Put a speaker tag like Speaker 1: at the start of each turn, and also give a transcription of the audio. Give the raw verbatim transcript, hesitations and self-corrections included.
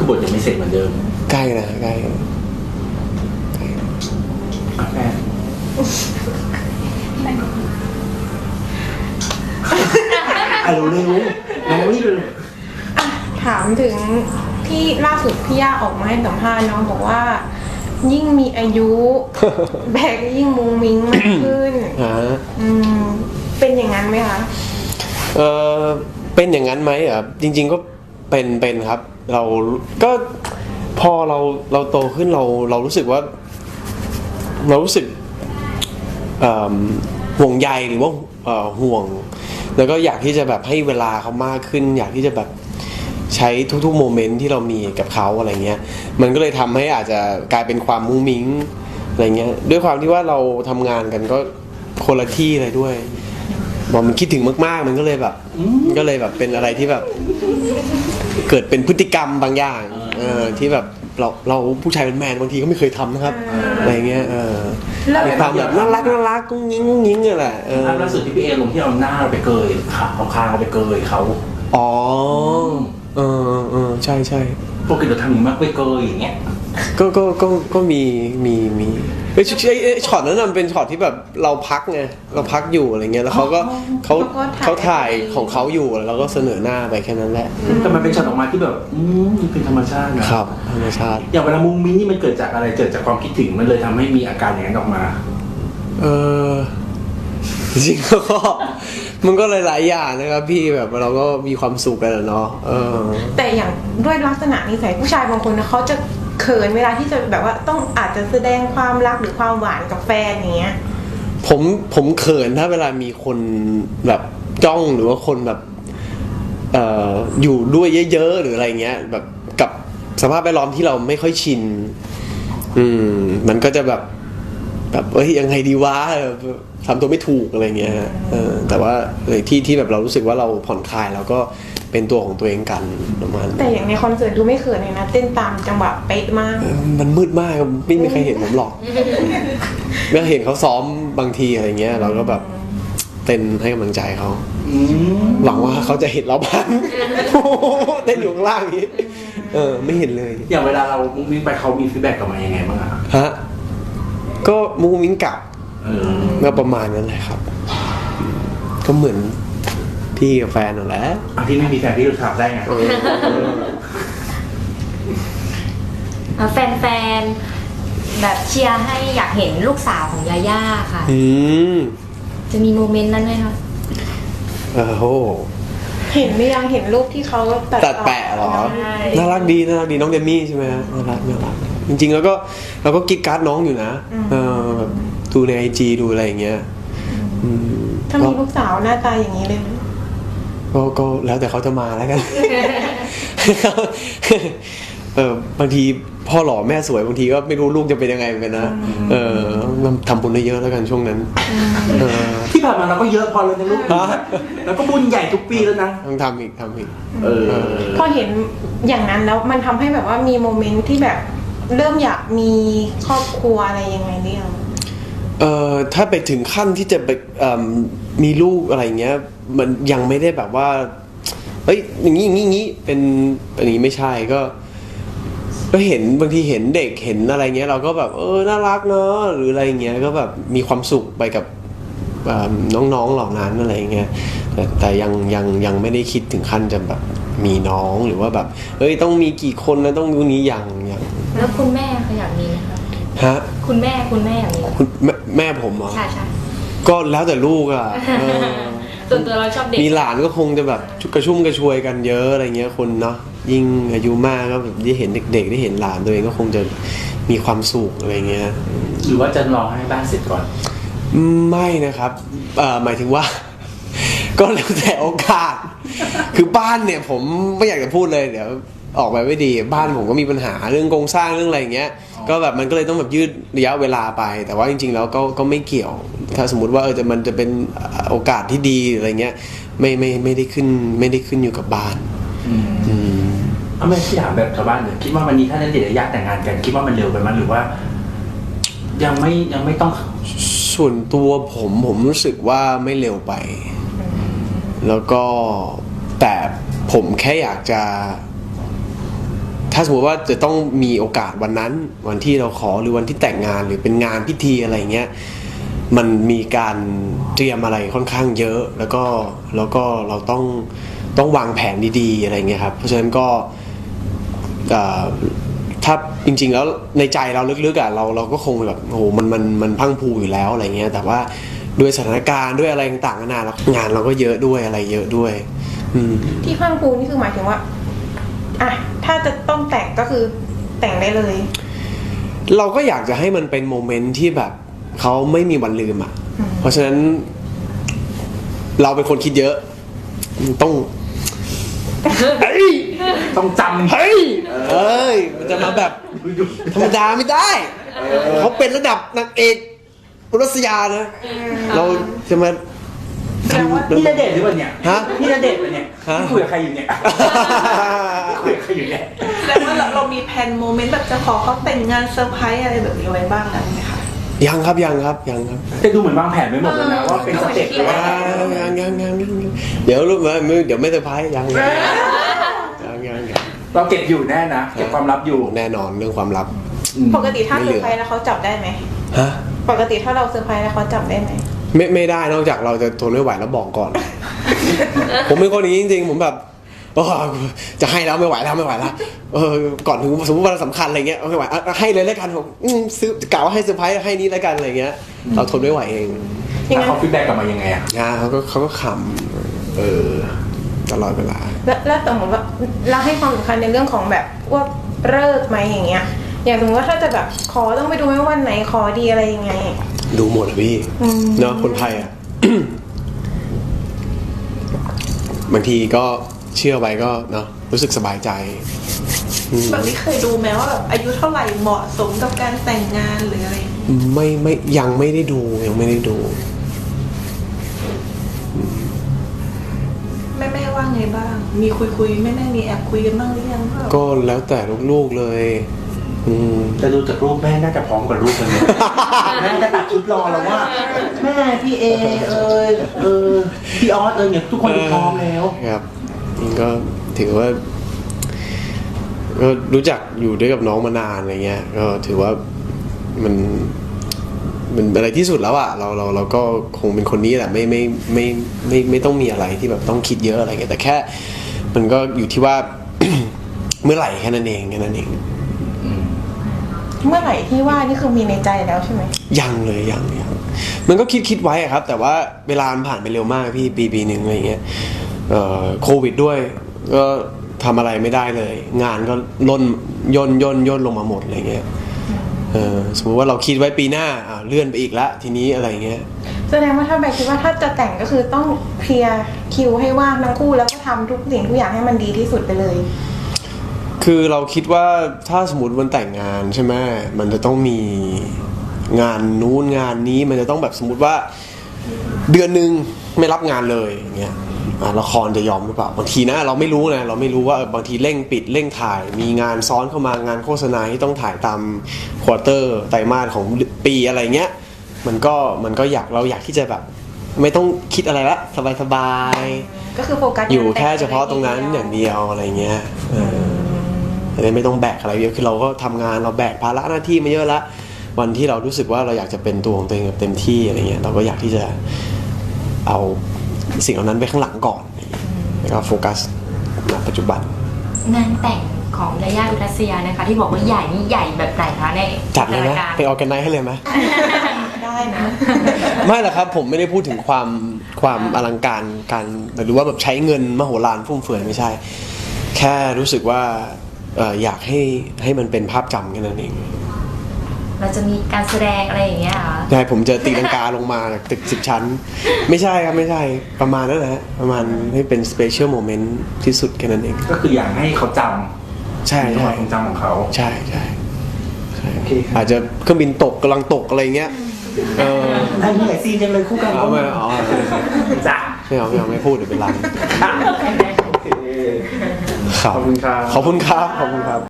Speaker 1: บทยังไม่เสร็จเหมือนเดิม
Speaker 2: ใกล้นะใกล้
Speaker 1: แม่อ่ะเร็วๆน้องนี่เลย
Speaker 3: ถามถึงที่ล่าสุดพี่ย่าออกมาให้สัมภาษณ์น้องบอกว่ายิ่งมีอายุแบกยิ่งมุงมิ้งมากขึ้นอืมเป็นอย่างนั้นไหมคะ
Speaker 2: เออเป็นอย่างนั้นไหมอ่ะจริงๆก็เป็นเป็นครับเราก็พอเราเราโตขึ้นเราเรารู้สึกว่าเรารู้สึกห่วงใยหรือว่าห่วงแล้วก็อยากที่จะแบบให้เวลาเขามากขึ้นอยากที่จะแบบใช้ทุกๆโมเมนต์ที่เรามีกับเขาอะไรเงี้ยมันก็เลยทำให้อาจจะกลายเป็นความมุ้งมิ้งอะไรเงี้ยด้วยความที่ว่าเราทำงานกันก็คนละที่เลยด้วยบอกมันคิดถึงมากๆมันก็เลยแบบก็เลยแบบเป็นอะไรที่แบบเกิดเป็นพฤติกรรมบางอย่างเออที่แบบเราเราผู้ชายเป็นแมนบางทีก็ไม่เคยทำนะครับอะไรเงี้ยเออมีความแบบน่ารักน่ารักกุ้งยิ้งกุ้งยิ้งอะไรเออ
Speaker 1: ล่าสุดที่พี่เอลงที่เอาหน้าเราไปเกยขาเอาคางเราไปเกยเขา
Speaker 2: อ๋อเออเออใช่ใช่
Speaker 1: ปกติเราทำอย่างมากไปเกยอย่างเงี้ย
Speaker 2: ก็ก็ก็ก็มีมีมีไอ้ช็อตนั้นมันเป็นช็อตที่แบบเราพักไงเราพักอยู่อะไรเงี้ยแล้วเขาก็เขาเขาถ่ายของเขาอยู่แล้วก็เสนอหน้าไปแค่นั้นแหละ
Speaker 1: แต่มันเป็นช็อตออกมาที่แบบอืมเป็นธรรมชาติ
Speaker 2: นะครับธรรมชาติ
Speaker 1: อย่างเวลามุ้งมิ้งนี่มันเกิดจากอะไรเกิดจากความคิดถึงมันเลยทำให้มีอาการอย่างนั้นออกมา
Speaker 2: เออจริงๆก็มันก็หลายๆอย่างนะครับพี่แบบเราก็มีความสุขกันเนาะเออ
Speaker 3: แต่อย่างด้วยลักษณะนิสัยผู้ชายบางคนนะเขาจะเขินเวลาที่จะแบบว่าต้องอาจจะแสดงความรักหรือความหวานกับแฟนอย่างเงี้ย
Speaker 2: ผมผมเขินถ้าเวลามีคนแบบจ้องหรือว่าคนแบบเอ่ออยู่ด้วยเยอะๆหรืออะไรเงี้ยแบบกับสภาพแวดล้อมที่เราไม่ค่อยชินอืมมันก็จะแบบแบบเอ้ยยังไงดีวะทำตัวไม่ถูกอะไรเงี้ยเออแต่ว่าที่ที่แบบเรารู้สึกว่าเราผ่อนคลายแล้วก็เป็นตัวของตัวเองกันประมาณ
Speaker 3: แต่อย่างในคอนเสิร์ตดูไม่เขินเลยนะเต้นตามจังหวะเป๊ะมาก
Speaker 2: มันมืดมากไม่มีใครเห็นผมหรอกเมื่อเห็นเขาซ้อมบางทีอะไรเงี้ยเราก็แบบเต้นให้กำลังใจเขาหวังว่าเขาจะเห็นเราบ้างเต้นอยู่ข้างล่างนี้เออไม่เห็นเลย
Speaker 1: อย่างเวลาเรามุ้งมิ้งไปเขามีฟีดแบ็กกลับมายังไงบ้างอะ
Speaker 2: ฮะก็มุ้งมิ้งกลับก็ประมาณนั้นแหละครับก็เหมือนพี่กับแฟนนั่นแหละ
Speaker 1: พี่ไม่มีแฟนพี่รู้ถามได้ไง
Speaker 4: แฟนๆแบบเชียร์ให้อยากเห็นลูกสาวของยาย่าค่ะจะมีโมเมนต์นั้นไหมคะ
Speaker 2: โอ้โห
Speaker 3: เห็นไม่ยังเห็นรูปที่เขา
Speaker 2: ตัดแปะหรอน่ารักดีน่ารักดีน้องเดมี่ใช่ไหมน่ารักน่ารักจริงๆแล้วก็เราก็กิ๊กการ์ดน้องอยู่นะเออแบบดูในไอจีดูอะไรอย่างเงี้ย
Speaker 3: ถ้ามีลูกสาวหน้าตาอย่างนี้เลย
Speaker 2: ก็ก็แล้วแต่เขาจะมาแล้วกันเออบางทีพ่อหล่อแม่สวยบางทีก็ไม่รู้ลูกจะเป็นยังไงเหมือนกันนะเออทำบุญได้เยอะแล้วกันช่วงนั้น
Speaker 1: ที่ผ่านมาเราก็เยอะพอแล้วนะลูกแล้วก็บุญใหญ่ทุกปีแล้วนะ
Speaker 2: ต้องทำอีกทำอีก
Speaker 3: เออพอเห็นอย่างนั้นแล้วมันทำให้แบบว่ามีโมเมนต์ที่แบบเริ่มอยากมีครอบครัวอะไรยังไงเนี่ย
Speaker 2: เอ่อถ้าไปถึงขั้นที่จะไปมีลูกอะไรเงี้ยมันยังไม่ได้แบบว่าเฮ้ยอย่างนี้อย่างนี้อย่างนี้เป็นอันนี้ไม่ใช่ก็ก็เห็นบางทีเห็นเด็กเห็นอะไรเงี้ยเราก็แบบเออน่ารักเนาะหรืออะไรเงี้ยก็แบบมีความสุขไปกับน้องๆเหล่านั้นอะไรเงี้ยแต่แต่ยังยังยังไม่ได้คิดถึงขั้นจะแบบมีน้องหรือว่าแบบเฮ้ยต้องมีกี่คนนะต้องรู้นี้อย่างอย่าง
Speaker 4: แล้วคุณแม่เขาอยากมีไหมคะ
Speaker 2: ฮะ
Speaker 4: คุณแม่คุณแม่อยากมี
Speaker 2: คุณแม่ผมเหรอ
Speaker 4: ใช่ใช่
Speaker 2: ก็แล้วแต่ลูกอ่ะ
Speaker 4: ส่วนตัวเราชอบเด็ก
Speaker 2: มีหลานก็คงจะแบบกระชุ่มกระชวยกันเยอะอะไรเงี้ยคนเนาะยิ่งอายุมากก็แบบได้เห็นเด็กๆได้เห็นหลานตัวเองก็คงจะมีความสุขอะไรเงี้ย
Speaker 1: หรือว่าจะรอให้บ้านเสร็จก่อน
Speaker 2: ไม่นะครับเอ่อหมายถึงว่าก็แล้วแต่โอกาสคือบ้านเนี่ยผมไม่อยากจะพูดเลยเดี๋ยวออกไปไม่ดีบ้านผมก็มีปัญหาเรื่องโครงสร้างเรื่องอะไรอย่างเงี้ยก็แบบมันก็เลยต้องแบบยืดระยะเวลาไปแต่ว่าจริงๆแล้วก็ก็ไม่เกี่ยวถ้าสมมุติว่าเออจะมันจะเป็นโอกาสที่ดีอะไรเงี้ยไม่ไม่ไม่ได้ขึ้นไม่ได้ขึ้นอยู่กับบ้าน
Speaker 1: อืมเอาไม่ที่ถามแบบชาวบ้านเลยคิดว่าวันนี้ถ้าได้เดทระยะแต่งงานกันคิดว่ามันเร็วไปมั้ยหรือว่ายังไม่ยังไม่ต้อง
Speaker 2: ส่วนตัวผมผมรู้สึกว่าไม่เร็วไปแล้วก็แต่ผมแค่อยากจะถ้าถ้าสมมติว่าจะต้องมีโอกาสวันนั้นวันที่เราขอหรือวันที่แต่งงานหรือเป็นงานพิธีอะไรเงี้ยมันมีการเตรียมอะไรค่อนข้างเยอะแล้วก็แล้วก็เราต้องต้องวางแผนดีๆอะไรเงี้ยครับเพราะฉะนั้นก็ถ้าจริงๆแล้วในใจเราลึกๆอ่ะเราเราก็คงแบบโอ้โหมันมันมันพังพูอยู่แล้วอะไรเงี้ยแต่ว่าด้วยสถานการณ์ด้วยอะไรต่างๆนานาแล้วงานเราก็เยอะด้วยอะไรเยอะด้วย
Speaker 3: ที่พังพูนี่คือหมายถึงว่าอ่ะถ้าจะต้องแต่งก็คือแต่งได้เลย
Speaker 2: เราก็อยากจะให้มันเป็นโมเมนต์ที่แบบเขาไม่มีวันลืมอ่ะเพราะฉะนั้นเราเป็นคนคิดเยอะต้องเฮ้ย
Speaker 1: ต้องจำ
Speaker 2: เฮ้ยเอ้ยมันจะมาแบบธรรมดาไม่ได้เขาเป็นระดับนางเอกรัสยานะเราจะมา
Speaker 1: นี่ณเดชน์หรือเปล่าเนี่ย
Speaker 2: ฮะ
Speaker 1: นี่ณเดชน์ป่ะเนี่ยคุยกับใครอยู่เนี่ยคุยกับใครอยู่เนี่ย
Speaker 5: แล้วว่าเรามีแผนโมเมนต์แบบจะขอเขาแต่งงานเซอร์ไพรส์อะไรแบบนี้ไว้บ้างแล้วไหมคะ
Speaker 2: ยังครับยังครับยังครับ
Speaker 1: แต่ดูเหมือนวางแผนไว้หมดแล้วนะว่าเป็นสเต็ปเลยว่า
Speaker 2: ยังยังยังเดี๋ยวรู้ไหมเดี๋ยวไม่เซอร์ไพรส์ยังยังยัง
Speaker 1: เราเก็บอยู่แน่นะเก็บความลับอยู่
Speaker 2: แน่นอนเรื่องความลับ
Speaker 3: ปกติถ้าเซอร์ไพรส์แล้วเขาจับได้ไหม
Speaker 2: ฮะ
Speaker 3: ปกติถ้าเราเซอร์ไพรส์แล้วเขาจับได้ไหม
Speaker 2: ไม่ไม่ได้นอกจากเราจะทนไม่ไหวแล้วบอกก่อน ผมเป็นคนอย่างนี้จริงๆผมแบบจะให้แล้วไม่ไหวแล้วไม่ไหวแล้วเออก่อนถึงสมมติวันสำคัญอะไรเงี้ยไม่ไหวให้เลยแล้วกันผมซื้อกล่าวว่าให้เซอร์ไพรส์ให้นี้แล้วกันอะไรเงี้ยเราทนไม่ไหวเอง
Speaker 1: เขาฟีดแบ็กกลับมายังไงอ่ะ
Speaker 2: เขาก็เขาก็ขำเออตลอดเวลา
Speaker 3: แล้วสมมติว่าเราให้ความสำคัญในเรื่องของแบบว่าเลิกไหมอย่างเงี้ยอย่างสมมติว่าถ้าจะแบบขอต้องไปดูไหมวันไหนขอดีอะไรยังไง
Speaker 2: ดูหมดเลยพี่เนาะคนไทยอ่ะ บางทีก็เชื่อไว้ก็เนาะรู้สึกสบายใจ
Speaker 5: แบบนี้เคยดูไหมว่าแบบอายุเท่าไหร่เหมาะสมกับการแต่งงานหรืออะไร
Speaker 2: ไม่ไม่ยังไม่ได้ดูยังไม่ได้ดู
Speaker 5: แม่แม่ว่าไงบ้างมีคุยคุยแม่แม่มีแอบคุยกันบ้างหรือยัง
Speaker 2: ก็แล้วแต่ลูกๆเลย
Speaker 1: แต่ดูจากรูปแม่น่าจะพร้อมกว่ารูปเลยแม่จะตัดชุดรอแล้วว่าแม่พี่เอเออเออพี่ออสเออเนี่ยทุกคนพร้อมแล้ว
Speaker 2: ครับนี่ก็ถือว่าก็รู้จักอยู่ด้วยกับน้องมานานอะไรเงี้ยก็ถือว่ามันมันอะไรที่สุดแล้วอะเราเราเราก็คงเป็นคนนี้แหละไม่ไม่ไม่ไม่ไม่ต้องมีอะไรที่แบบต้องคิดเยอะอะไรเงี้ยแต่แค่มันก็อยู่ที่ว่า เมื่อไหร่แค่นั้นเองแค่นั้นเอง
Speaker 3: เมื่อไหร่ที่ว่านี่คือมีในใจแล้วใช่ไหม
Speaker 2: ยังเลยยังยังมันก็คิดคิดไว้อะครับแต่ว่าเวลามันผ่านไปเร็วมากพี่ปีปีหนึ่งอะไรเงี้ยเอ่อโควิดด้วยก็ทำอะไรไม่ได้เลยงานก็ล่นย่นย่นย่นลงมาหมดอะไรเงี้ยเออสมมติว่าเราคิดไว้ปีหน้าอ่าเลื่อนไปอีกละทีนี้อะไรเงี้ย
Speaker 3: แสดงว่าถ้าแบกคิดว่าถ้าจะแต่งก็คือต้องเคลียร์คิวให้ว่างทั้งคู่แล้วก็ทำทุกสิ่งทุกอย่างให้มันดีที่สุดไปเลย
Speaker 2: คือเราคิดว่าถ้าสมมติวันแต่งงานใช่ไหมมันจะต้องมีงานนู้นงานนี้มันจะต้องแบบสมมติว่าเดือนหนึ่งไม่รับงานเลยอย่างเงี้ยละครจะยอมหรือเปล่าบางทีนะเราไม่รู้นะเราไม่รู้ว่าบางทีเร่งปิดเร่งถ่ายมีงานซ้อนเข้ามางานโฆษณาที่ต้องถ่ายตามควอเตอร์ไตรมาสของปีอะไรเงี้ยมันก็มันก็อยากเราอยากที่จะแบบไม่ต้องคิดอะไรละสบาย
Speaker 3: ๆก็คือโฟกัส
Speaker 2: อยู่แค่เฉพาะตรงนั้นอย่างเดียวอะไรเงี้ยไม่ต้องแบกอะไรเยอะคือเราก็ทำงานเราแบกภาระหน้าที่มาเยอะละวันที่เรารู้สึกว่าเราอยากจะเป็นตัวของตัวเองเต็มที่อะไรเงี้ยเราก็อยากที่จะเอาสิ่งเหล่านั้นไปข้างหลังก่อนแล้วก็โฟกัสณปัจจุบัน
Speaker 4: งานแต่งของยาย่าอุรัสยานะคะที่บอกว่าใหญ่นี่ใหญ่แบบไหนคะใน
Speaker 2: จัดเลยไหมไปออร์แกไนซ์ให้เลยไหม
Speaker 3: ได้นะ
Speaker 2: ไม่หรอกครับผมไม่ได้พูดถึงความความอลังการการหรือว่าแบบใช้เงินมโหฬารฟุ่มเฟือยไม่ใช่แค่รู้สึกว่าอยากให้ให้มันเป็นภาพจำแค่นั้นเอง
Speaker 4: เราจะมีการแสดงอะไรอย่างเงี้ยเหรอ
Speaker 2: ใช่ผมจะตีลังกาลงมาจากตึกสิบชั้นไม่ใช่ครับไม่ใช่ประมาณนั้นแหละประมาณให้เป็นสเปเชียลโมเมนต์ที่สุดแค่นั้นเอง
Speaker 1: ก็คืออยากให้เขาจำ
Speaker 2: ใช่ใช่
Speaker 1: ความจำของเขา
Speaker 2: ใช่ใช่อาจจะเครื่องบินตกกำลังตกอะไรเงี้ยเออ
Speaker 1: ไอ้นี่ไอซีนยังเลยคู่กัน
Speaker 2: เอาไม่เอา
Speaker 1: จ้ะ
Speaker 2: ไม่เอาไม่เอาไม่พูดเดี๋ยวเป็นไร
Speaker 1: ขอบคุณครับ
Speaker 2: ขอบคุณครับขอบคุณครับ